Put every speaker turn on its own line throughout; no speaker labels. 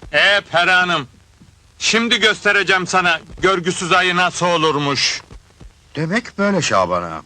Peri Hanım, şimdi göstereceğim sana görgüsüz ayı nasıl olurmuş.
Demek böyle Şaban ağam.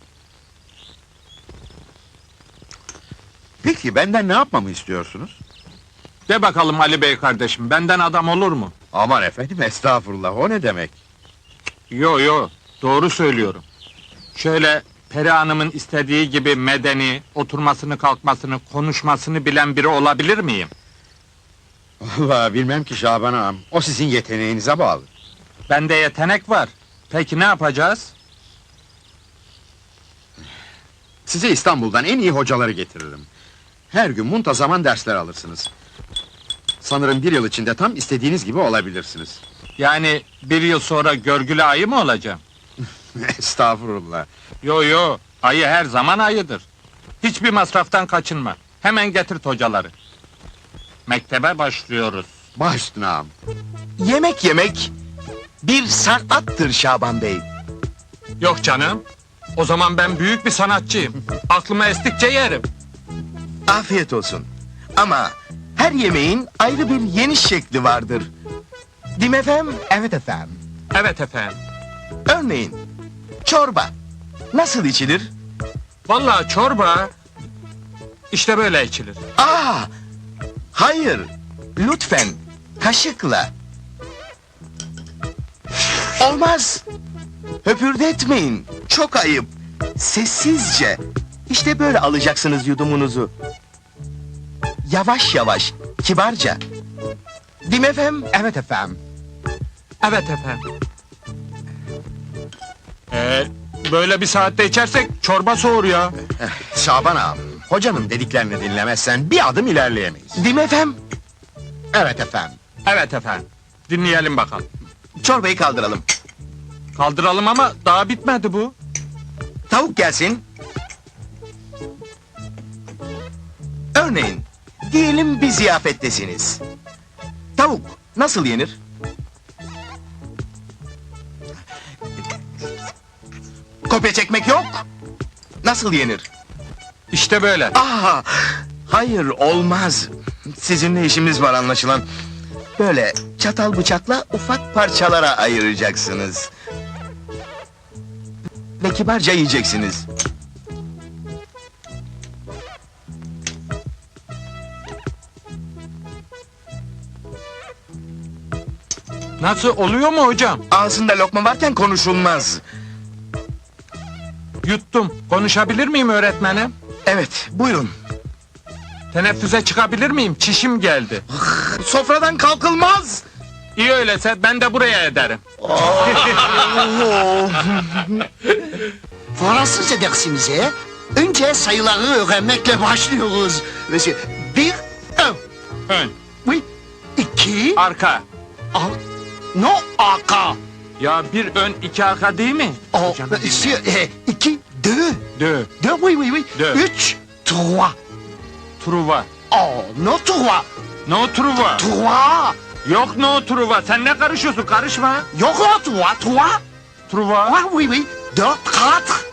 Peki benden ne yapmamı istiyorsunuz?
De bakalım Ali Bey kardeşim, benden adam olur mu?
Aman efendim, estağfurullah, o ne demek?
Yo, doğru söylüyorum. Şöyle Peri Hanım'ın istediği gibi medeni, oturmasını kalkmasını, konuşmasını bilen biri olabilir miyim?
Vallahi bilmem ki Şaban ağam, o sizin yeteneğinize bağlı.
Bende yetenek var. Peki ne yapacağız?
Size İstanbul'dan en iyi hocaları getiririm. Her gün muntazaman dersler alırsınız. Sanırım 1 yıl içinde tam istediğiniz gibi olabilirsiniz.
Yani 1 yıl sonra görgülü ayı mı olacağım?
Estağfurullah.
Yo, ayı her zaman ayıdır. Hiçbir masraftan kaçınma. Hemen getirt hocaları. Mektebe başlıyoruz.
Baş üstüne ağam.
Yemek yemek bir sanattır Şaban Bey.
Yok canım. O zaman ben büyük bir sanatçıyım. Aklıma estikçe yerim.
Afiyet olsun. Ama her yemeğin ayrı bir yeniş şekli vardır. Değil mi efendim? Evet efendim.
Evet efendim.
Örneğin çorba nasıl içilir?
Vallahi çorba işte böyle içilir.
Hayır. Lütfen kaşıkla. Olmaz. Höpürdetmeyin. Çok ayıp. Sessizce. İşte böyle alacaksınız yudumunuzu. Yavaş yavaş, kibarca. Değil mi efendim? Evet efendim.
Evet efendim. Böyle bir saatte içersek çorba soğur ya.
Şaban ağam, hocanın dediklerini dinlemezsen bir adım ilerleyemeyiz.
Değil mi efendim?
Evet efendim.
Evet efendim. Dinleyelim bakalım.
Çorbayı kaldıralım.
Kaldıralım ama daha bitmedi bu.
Tavuk gelsin. Örneğin, diyelim bir ziyafettesiniz. Tavuk nasıl yenir? Kopya çekmek yok. Nasıl yenir?
İşte böyle.
Hayır olmaz. Sizinle işimiz var anlaşılan. Böyle çatal bıçakla ufak parçalara ayıracaksınız. Ve kibarca yiyeceksiniz.
Nasıl, oluyor mu hocam?
Ağzında lokma varken konuşulmaz.
Yuttum. Konuşabilir miyim öğretmenim?
Evet, buyurun.
Teneffüse çıkabilir miyim? Çişim geldi.
Sofradan kalkılmaz.
İyi öyleyse ben de buraya ederim.
Fransızca dersimize önce sayıları öğrenmekle başlıyoruz. Mesela 1, 1.
Ön,
Oui. 2.
arka.
No, arka.
Ya bir ön iki arka değil mi?
Oh,
Hocam, dinle.
2, 2, 2.
Dö,
2, oui.
Deux.
3, 3.
truva.
Oh, no 3.
No truva.
3.
Yok no truva. Sen ne karışıyorsun? Karışma.
Yok o 3, 3.
Truva.
Oui. 4, 4.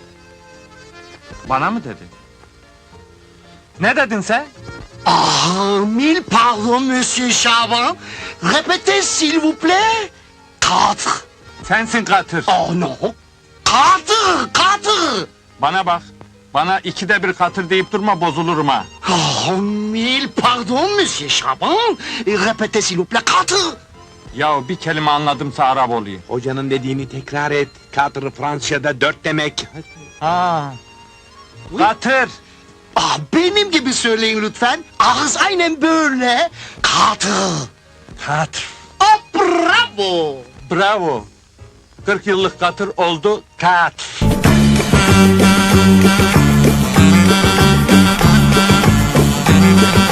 Bana mı dedin? Ne dedin sen?
Mille pardon, Monsieur Chavin. Répétez, s'il vous plaît. 4.
Sensin katır.
Oh non. 4, 4.
Bana bak. Bana 2'de 1 katır deyip durma, bozulurum ha.
Oh, mille pardon, Monsieur Chabin. Répétez, s'il vous plaît, 4.
Ya bir kelime anladımsa Arap olayım.
Hocanın dediğini tekrar et. Katır Fransızca'da 4 demek.
Ha. Katır.
Benim gibi söyleyin lütfen. Ağız aynen böyle. 4.
Katır.
Bravo.
Bravo. 40 yıllık katır oldu kat.